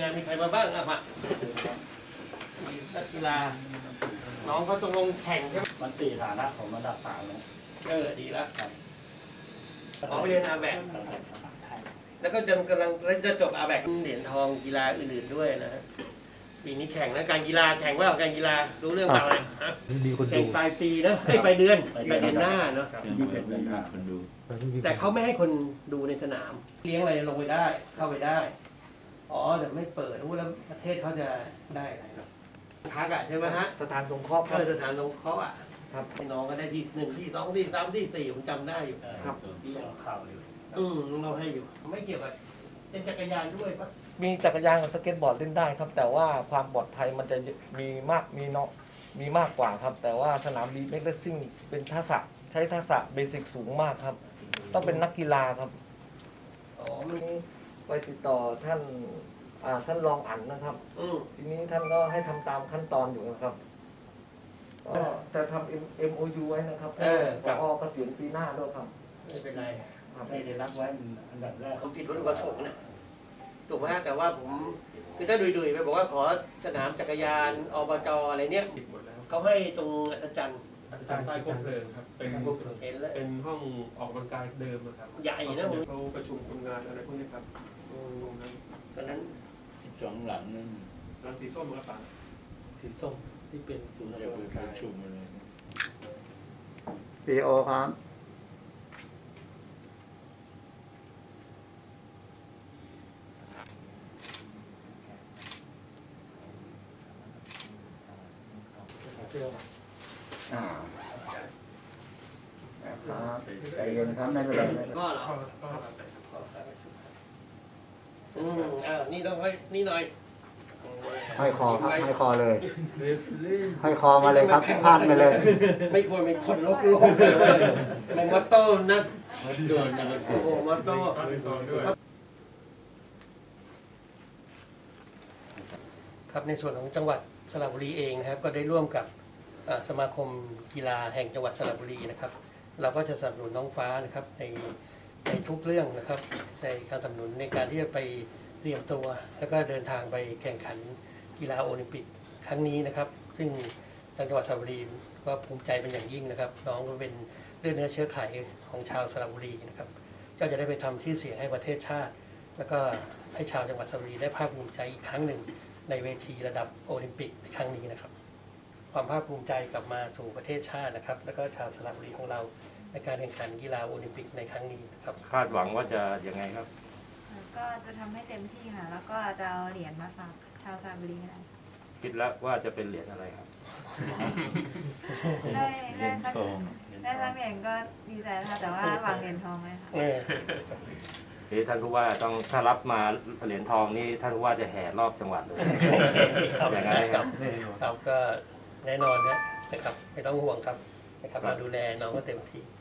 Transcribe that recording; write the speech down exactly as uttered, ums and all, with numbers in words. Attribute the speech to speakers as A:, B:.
A: งมีใครมาบ้างอ่ะมามีนักกีฬาน้องเขาต้องลงแข่งใช่ไหม
B: มันสี่ฐานะของระดับสามแล้ว
A: เออดีแล้วออกไปเรียนอาแบกแล้วก็จะกำลังจะจบอาแบกเหรียญทองกีฬาอื่นๆด้วยนะฮะปีนี้แข่งนะการกีฬาแข่งว่าการกีฬารู้เรื่องเปล่าเลยฮะแข่งปลายปีนะไอ้ปลายเดือนปลายเดือนหน้าเนาะแต่เขาไม่ให้คนดูในสนามเลี้ยงอะไรลงไปได้เข้าไปได้อ๋อแต่ไม่เปิดรู้แล้วประเทศเขาจะได้อะไรเนาะพักอ่ะใช่ไหมฮะ
C: สถานสงเคราะห์ครับ
A: สถานสงเคราะห์อ่ะครับให้น้องก็ได้ที่หนึ่งที่สองที่สามที่สี่ผมจำได้อยู่
B: ครับที่เราข่าวอยู่
A: อืมเราให้อยู่ไม่เกี่ยวกับเป็นจักรยานด้วยปะ
C: มีจักรยานกับสเก็ตบอร์ดเล่นได้ครับแต่ว่าความปลอดภัยมันจะมีมากมีเนาะมีมากกว่าครับแต่ว่าสนามบีเม็กเลสซิ่งเป็นทักษะใช้ทักษะเบสิกสูงมากครับต้องเป็นนักกีฬาครับอ๋อมันไปติดต่อท่านอ่าท่านรองอั๋นนะครับทีนี้ท่านก็ให้ทำตามขั้นตอนอยู่นะครับก็จะทำ เอ็ม โอ ยู ไว้นะครับเออกับเกษียณปีหน้าด้วยครับ
A: ไม่เป็นไร
B: ไม่ได้รับไว้อันดับแรก
A: เขาผิดวัตถุประสงค์นะถูกไหมแต่ว่าผมคือถ้าดุยๆไปบอกว่าขอสนามจักรยานอบจอะไรเนี้ยเขาให้ตรงอัศจรรย์
D: อัศจรรย์ใต้คบเพลิงครับเป็นเป็นห้องออกกำลังกายเดิมครับ
A: ใหญ่นะผม
D: เขาประชุมคนงานอะไรพวกนี้ครับตรงนั้น
A: ตอนนั้น
B: สองหลังนั่น
D: หลังสีส้มครับ
A: สีส้มที่เป็นศูนย์
B: ประชุมอะไร
C: ปีโอครับ
B: อ่าครับใจเย็นครับไม่เป็นไร
A: ก็เหรออืมอ่านี่ต้องให้นี่หน่อย
C: ให้คอครับให้คอเลยให้คอมาเลยครับพลาดไปเลย
A: ไม่ควรเป็นคนโลกโลกเลยไม่มอตโต้นะโดนโอ้โหมอตโต้ครับในส่วนของจังหวัดสระบุรีเองนะครับก็ได้ร่วมกับสมาคมกีฬาแห่งจังหวัดสระบุรีนะครับเราก็จะสนับสนุนน้องฟ้านะครับในในทุกเรื่องนะครับในการสนับสนุนในการที่จะไปเตรียมตัวแล้วก็เดินทางไปแข่งขันกีฬาโอลิมปิกครั้งนี้นะครับซึ่งทางจังหวัดสระบุรีก็ภูมิใจเป็นอย่างยิ่งนะครับน้องก็เป็นเลือดเนื้อเชื้อไขของชาวสระบุรีนะครับก็จะได้ไปทำชื่อเสียงให้ประเทศชาติแล้วก็ให้ชาวจังหวัดสระบุรีได้ภาคภูมิใจอีกครั้งหนึ่งในเวทีระดับโอลิมปิกในครั้งนี้นะครับความภาคภูมิใจกลับมาสู่ประเทศชาตินะครับแล้วก็ชาวสระบุรีของเราในการแข่งขันกีฬาโอลิมปิกในครั้งนี้นะครับ
E: คาดหวังว่าจะยังไงครับ
F: ก็จะทำให้เต็มที่ค่ะแล้วก็จะเอาเหรียญมาฝากชาวสระบุรีนะ
E: คิดแล้วว่าจะเป็นเหรียญอะไรครับ
F: ได้ได้สักได้สักเหรียญก็ดีใจนะคะแต่ว่าหวังเหรียญทองไหมคะ
E: ที่ท่านผู้ว่าต้องถ้ารับมาเหรียญทองนี่ท่านผู้ว่าจะแห่รอบจังหวัดเลยอย่างไรครับ
A: ครับก็แน่นอนนะครับไม่ต้องห่วงครับนะครับเราดูแลน้องก็เต็มที่